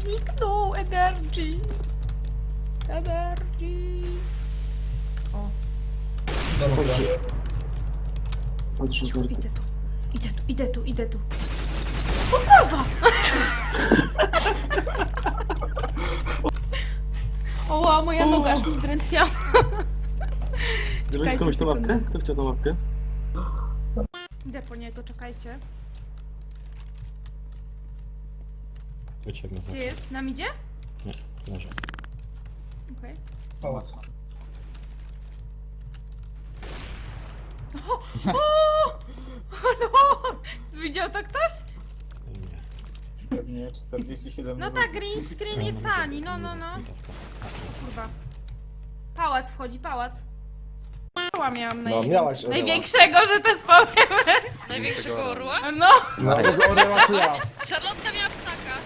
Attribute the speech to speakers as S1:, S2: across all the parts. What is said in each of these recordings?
S1: zniknął. Energy. Energy. O.
S2: Dobrze. Patrzę
S1: Cicho,
S2: kartę.
S1: idę tu. Idę tu, idę tu, idę tu. O kurwa! Oła, moja noga aż mi zdrętwiała.
S2: Bierzecie komuś tą łapkę? Kto chciał tą łapkę?
S1: Idę po niego, czekajcie.
S3: Uciekł na
S1: Gdzie
S3: zawsze.
S1: jest? Nam idzie?
S3: Nie, leży.
S1: Okej.
S4: Pałac.
S1: No! Widział to ktoś?
S3: Nie.
S4: Pewnie 47
S1: No
S4: minut.
S1: tak, green screen jest tani, no. Kurwa. Pałac wchodzi, pałac. Orła miałam
S5: No, miałaś orła.
S1: największego, że tak powiem.
S6: Największego orła?
S1: No.
S5: No, tego orła czy ja?
S6: Charlotte miała ptaka.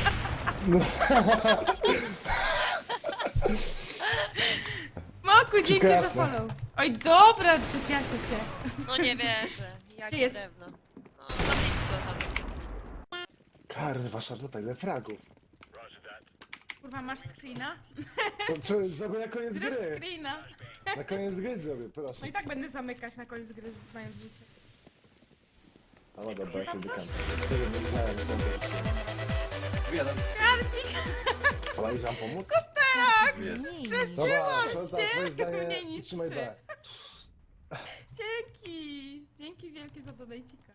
S1: Moku, dzięki
S5: Wszystko
S1: za
S5: jasne.
S1: follow. Oj, dobra, czepiacie się.
S6: No nie wierzę.
S1: Gdzie
S6: Jakie
S1: jest?
S6: drewno. No, za blisko tam.
S5: Karwa, Charlotte, ile fragów.
S1: Kurwa, masz screena?
S5: Zrobię na koniec
S1: Zrób
S5: gry.
S1: screena.
S5: Na koniec gry zrobię,
S1: No
S5: proszę.
S1: i tak będę zamykać na koniec gry, znając życie.
S5: A no dobra, ja sobie dykam. Tego nie widziałem, nie będę.
S1: Karpik,
S5: Ale iść wam pomóc?
S1: tak!
S5: Dobra,
S1: Straszyłam
S5: Charlotte,
S1: się!
S5: twoje zdanie
S1: Mniej
S5: i trzymaj
S1: niż
S5: B.
S1: Dzięki! Dzięki wielkie za donajcika.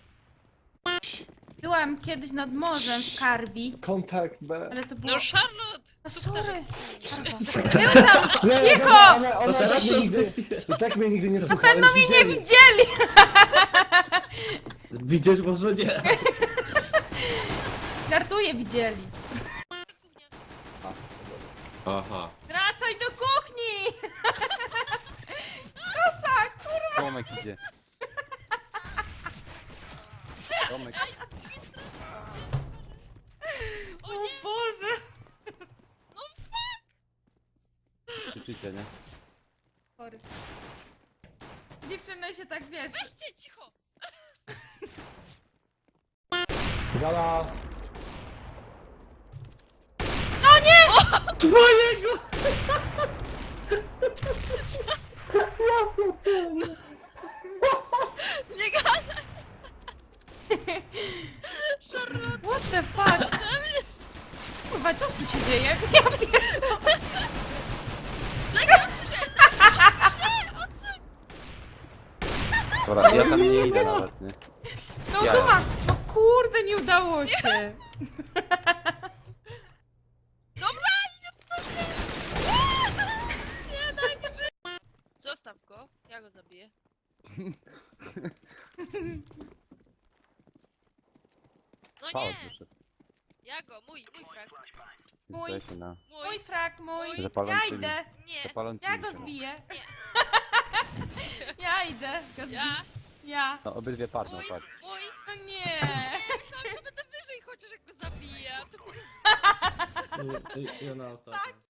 S1: Byłam kiedyś nad morzem w Karbi,
S5: Kontakt B.
S1: ale to było...
S6: No Charlotte!
S1: No
S6: Co
S1: sorry!
S6: ty
S1: Był tam!
S5: Nie,
S1: Cicho!
S5: dobra, ona tak mnie nigdy, i tak mnie nigdy nie słucha,
S1: Pewno
S5: ale
S1: mnie nie
S5: widzieli.
S1: widzieli!
S7: Widzieć może nie.
S1: Żartuję, widzieli.
S7: Aha.
S1: Wracaj do kuchni! Kosa, kurwa!
S8: Tomek idzie. Tomek.
S1: O Boże!
S8: Krzyczycie, nie?
S1: Sorry. Dziewczyny się tak, wiesz...
S6: Weźcie, cicho!
S5: Gala,
S6: Nie gadaj! Charlotte!
S1: What the fuck? Kurwa, co tu się dzieje? Ja pierdolę.
S6: Czekaj, odsłyszę! Odsuń!
S8: Dobra, ja tam nie idę nawet, nie?
S1: No
S8: Ja.
S1: zobacz! No kurde, nie udało się!
S6: Dobra, nie odpuszczę! Nie, daj mi żyć! Zostaw go, ja go zabiję. No nie!
S8: Pałac wyszedł.
S6: Ja go, mój frag.
S1: Mój.
S8: Zdaje się na
S1: Mój frak, mój! Ja
S8: Zapalącymi.
S1: idę!
S6: Nie,
S8: zapalącymi
S1: Ja go
S8: się.
S1: zbiję!
S6: Nie.
S1: Ja idę go zbić!
S6: Ja.
S1: Ja!
S8: No obydwie padną,
S6: mój,
S8: patrz.
S6: mój.
S1: No nie!
S6: Nie, myślałam, że będę wyżej chociaż jak go zabiję. a to-
S7: I ona ostatnia.